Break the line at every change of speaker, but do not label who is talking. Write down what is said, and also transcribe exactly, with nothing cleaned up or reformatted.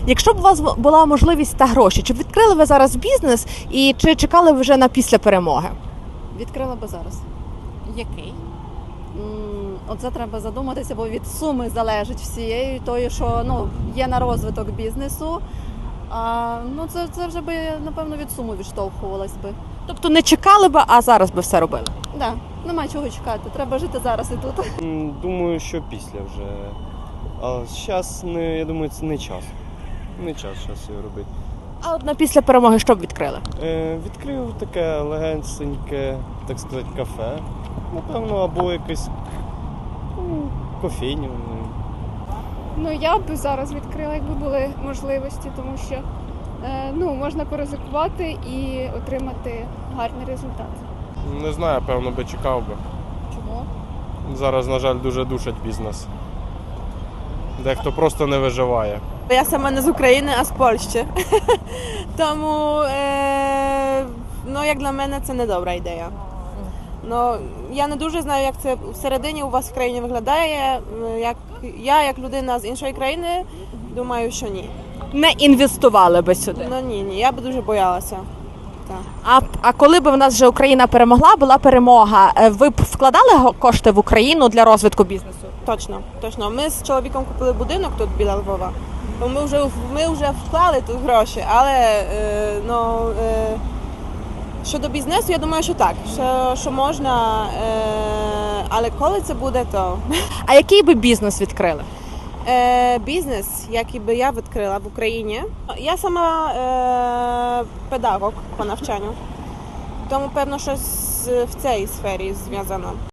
Якщо б у вас була можливість та гроші, чи б відкрили ви зараз бізнес і чи чекали ви вже на після перемоги?
Відкрила би зараз.
Який?
М, Оце треба задуматися, бо від суми залежить всієї тої, що ну, є на розвиток бізнесу. А, ну, це, це вже би, напевно, від суми відштовхувалась би.
Тобто не чекали би, а зараз би все робили?
Да, нема чого чекати, треба жити зараз і тут.
М, Думаю, що після вже. А зараз, не, я думаю, це не час. Не час зараз його робити.
А от на після перемоги що б відкрили?
Е, відкрив таке легеньке, так сказати, кафе. Напевно, або якесь ну, кофейню. ну.
Ну, я б зараз відкрила, якби були можливості, тому що е, ну, можна поризикувати і отримати гарний результат.
Не знаю, певно би чекав би.
Чому?
Зараз, на жаль, дуже душать бізнес. Дехто просто не виживає.
Я сама не з України, а з Польщі. Тому, е, ну, як для мене, це не добра ідея. Ну, я не дуже знаю, як це всередині у вас в країні виглядає. Як, я, як людина з іншої країни, думаю, що ні.
Не інвестували би сюди.
Ну ні, ні, я б дуже боялася. Так.
А, а коли б в нас вже Україна перемогла, була перемога, е, ви б вкладали го- кошти в Україну для розвитку бізнесу?
Точно, точно. Ми з чоловіком купили будинок тут біля Львова. То Ми вже, ми вже вклали тут гроші, але е, ну, е, щодо бізнесу, я думаю, що так, що, що можна, е, але коли це буде, то
А який би бізнес відкрили?
е, бізнес, який би я відкрила в Україні. Я сама е, педагог по навчанню, тому певно щось в цій сфері зв'язано.